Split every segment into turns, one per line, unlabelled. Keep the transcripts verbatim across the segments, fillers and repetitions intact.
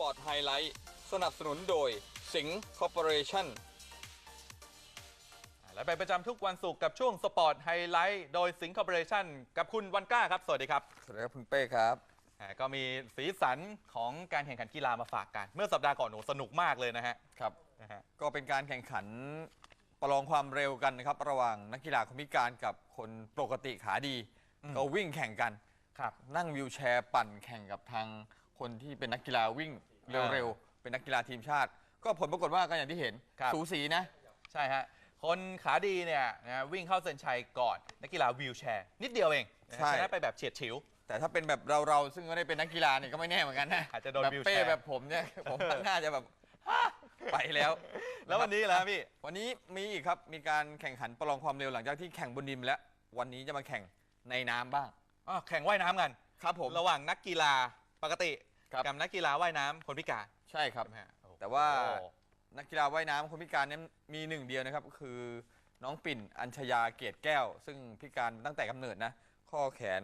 อร์ตไฮไลท์สนับสนุนโดยสิงห์คอร์ปอเรชั่น
และไปประจำทุกวันศุกร์กับช่วงสปอร์ตไฮไลท์โดยสิงห์คอร์ปอเรชั่นกับคุณวันกล้าครับสวัสดีครับ
สวัสดีครับคุณเป้ครับ
ก็มีสีสันของการแข่งขันกีฬามาฝากกันเมื่อสัปดาห์ก่อนหนูสนุกมากเลยนะฮะ
ครับนะฮะก็เป็นการแข่งขันประลองความเร็วกันนะครับระหว่างนักกีฬาคนพิการกับคนปกติขาดีก็วิ่งแข่งกัน
ครับ
นั่งวิวแชร์ปั่นแข่งกับทางคนที่เป็นนักกีฬาวิ่งเร็วๆเป็นนักกีฬาทีมชาติก็ผลปรากฏว่าก็อย่างที่เห็นสูสีนะ
ใช่ฮะคนขาดีเนี่ยนะวิ่งเข้าเส้นชัยก่อนนักกีฬาวิวแชร์นิดเดียวเองชนะไปแบบเฉียดฉิว
แต่ถ้าเป็นแบบเราๆซึ่งไม่ได้เป็นนักกีฬาเนี่ยก็ไม่แน่เหมือนกันนะ
อาจจะโดนวิวแชร์
แบบเป้แบบผมเนี่ยผมน่าจะแบบไปแล้ว
แล้ววันนี้แล้วพี่
วันนี้มีอีกครับมีการแข่งขันประลองความเร็วหลังจากที่แข่งบนดินแล้ววันนี้จะมาแข่งในน้ำบ้าง
อ๋อแข่งว่ายน้ำกัน
ครับผม
ระหว่างนักกีฬาปกติกับนักกีฬาว่ายน้ำคนพิการ
ใช่ครับแต่ว่านักกีฬาว่ายน้ำคนพิการนั้นมีหนึ่งเดียวนะครับก็คือน้องปิ่นอัญชยาเกตแก้วซึ่งพิการตั้งแต่กำเนิดนะข้อแขน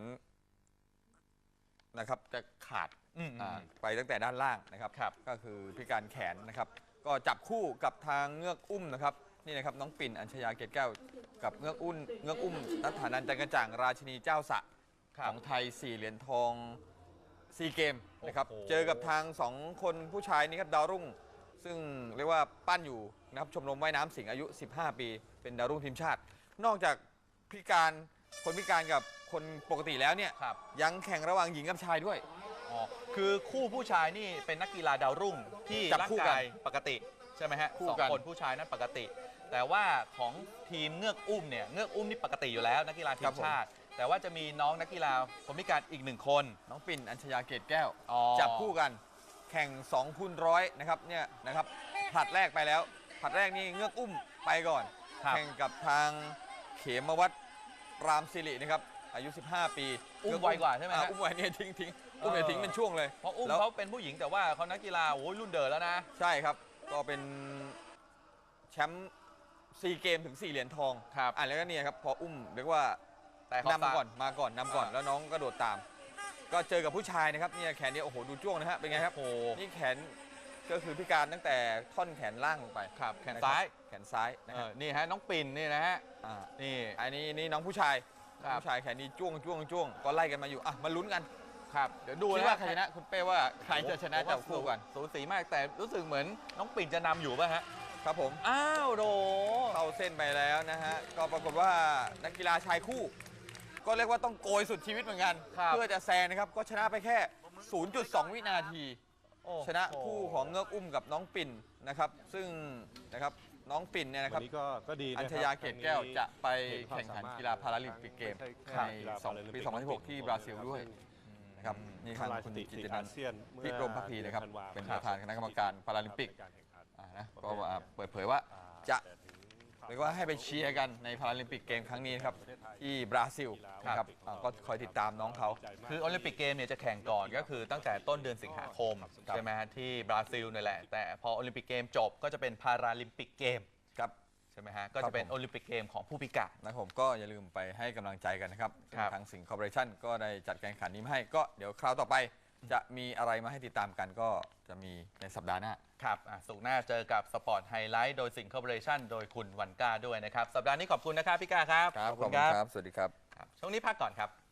นะครับจะขาดไปตั้งแต่ด้านล่างนะครับก็คือพิการแขนนะครับก็จับคู่กับทางเงือกอุ้มนะครับนี่นะครับน้องปิ่นอัญชยาเกตแก้วกับเงือกอุ้มเงือกอุ้มนัทธานันท์จันกระจ่างราชินีเจ้าสะของไทยสี่เหรียญทองซีเกมนะครับเจอกับทางสองคนผู้ชายนี่ครับดาวรุ่งซึ่งเรียกว่าปั้นอยู่นะครับชมรมว่ายน้ำสิงห์อายุสิบห้าปีเป็นดาวรุ่งทีมชาตินอกจากพิการคนพิการกับคนปกติแล้วเนี่ยยังแข่งระหว่างหญิงกับชายด้วย
อ๋อคือคู่ผู้ชายนี่เป็นนักกีฬาดาวรุ่งที่ร่างกายปกติใช่ไหมฮะสองคนผู้ชายนั้นปกติแต่ว่าของทีมเงือกอุ้มเนี่ยเงือกอุ้มนี่ปกติอยู่แล้วนักกีฬาทีมชาติแต่ว่าจะมีน้องนักกีฬาคนพิการอีกหนึ่งคน
น้องปิ่นอัญชยาเกตแก้วจับคู่กันแข่งสองคูณร้อยนะครับเนี่ยนะครับผลัดแรกไปแล้วผลัดแรกนี่เงือกอุ้มไปก่อนแข่งกับทางเขมวัฒน์รามสิรินะครับอายุสิบห้าปี
อุ้มไวกว่าใช่ไหม
อุ้มไวเนี่ยทิ้งทิ้งอุ้มเนี่ยทิ้งเป็นช่วงเลย
เพราะอุ้มเขาเป็นผู้หญิงแต่ว่าเขานักกีฬาโอ้ยรุ่นเดิมแล้วนะ
ใช่ครับก็เป็นแชมป์ซีเกมถึงสี่เหรียญทอง
ครับ
อ่ะแล้วก็เนี่ยครับพออุ้มเรียกว่านำก่อนมาก่อนนำก่อนแล้วน้องก็โดดตามก็เจอกับผู้ชายนะครับเนี่ยแขนเนี่ยโอ้โหดูจ้วงนะฮะเป็นไงครับโอ้นี่แขนก็คือพิการตั้งแต่ท่อนแขนล่างลงไป
ครับแขนซ้าย
แขนซ้ายนะครับ
นี่ฮะน้องปิ่นนี่นะฮะ
นี่อันนี้นี่น้องผู้ชายผู้ชายแขนนี้จ้วงจ้วงจ้วงก็ไล่กันมาอยู่อ่ะมาลุ้นกัน
ครับเดี๋ยวดู
นะว่าใครชนะคุณเป้ว่าใครจะชนะจับคู่กัน
สูสีมากแต่รู้สึกเหมือนน้องปิ่นจะนำอยู่ป่ะฮะ
ครับผม
อ้าวโด
เข้าเส้นไปแล้วนะฮะก็ปรากฏว่านักกีฬาชายคู่ก็เรียกว่าต้องโกยสุดชีวิตเหมือนกันเพื่อจะแซงนะครับก็ชนะไปแค่ ศูนย์จุดสอง วินาทีชนะคู่ของเงือกอุ้มกับน้องปิ่นนะครับซึ่งนะครับน้องปิ่นเนี่ยนะครับอัญชยาเกตแก้วจะไปแข่งขันกีฬาพาราลิมปิกเกมในปีสองพันสิบหกที่บราซิลด้วยนะครับนี่ทางคุณกิตตินันท์พิรมภักดีนะครับเป็นประธานคณะกรรมการพาราลิมปิกนะก็เปิดเผยว่าจะเรียกว่าให้ไปเชียร์กันในพาราลิมปิกเกมครั้งนี้ครับที่บราซิลนะครับก็คอยติดตามน้องเขา
คือโอลิมปิกเกมเนี่ยจะแข่งก่อนก็คือตั้งแต่ต้นเดือนสิงหาคมใช่ไหมฮะที่บราซิลนี่แหละแต่พอโอลิมปิกเกมจบก็จะเป็นพาราลิมปิกเกม
ครับ
ใช่ไหมฮะก็จะเป็นโอลิมปิกเกมของผู้พิการ
นะผมก็อย่าลืมไปให้กำลังใจกันนะครับทางสิงห์คอร์ปอเรชั่นก็ได้จัดการแข่งขันนี้มาให้ก็เดี๋ยวคราวต่อไปจะมีอะไรมาให้ติดตามกันก็จะมีในสัปดาห์หน้า
ครับสุกหน้าเจอกับสปอร์ตไฮไลท์โดยสิงห์คอร์ปอเรชั่นโดยคุณวันก้าด้วยนะครับสัปดาห์นี้ขอบคุณนะครับพี่ก้าครับ
ขอบคุณครับสวัสดีครับ
ช่วงนี้พักก่อนครับ